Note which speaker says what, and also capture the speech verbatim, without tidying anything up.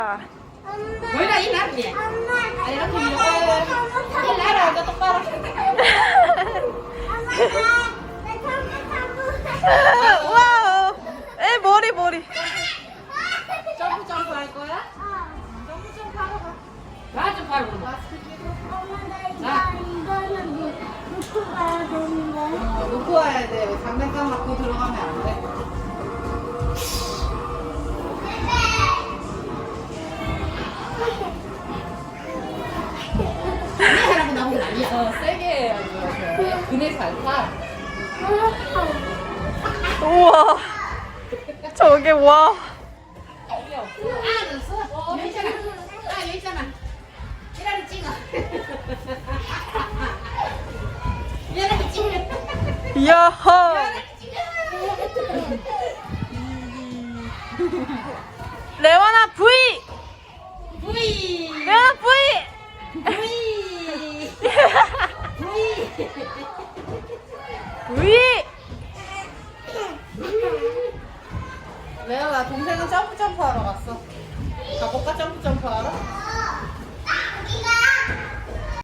Speaker 1: Mới đây nát nhỉ? Đây nó thì cái lá rồi cho tao coi.
Speaker 2: 와우. 에 머리 머리.
Speaker 1: 점프 점프 할 거야? 점프 점프 하러 가. 나 좀 바로 가. 놓고 와야 돼. 장난감 갖고 들어가면 안 돼. 사람은 나보고 난리야. 어, 세게 해야지. 그네 잘 타.
Speaker 2: 우와. 저게 와.
Speaker 1: 여기 없어. 아, 넣었어? 어, 여기 있잖아. 아, 여기 있잖아. 이라리 찍어. 이라리 찍어.
Speaker 2: 야호.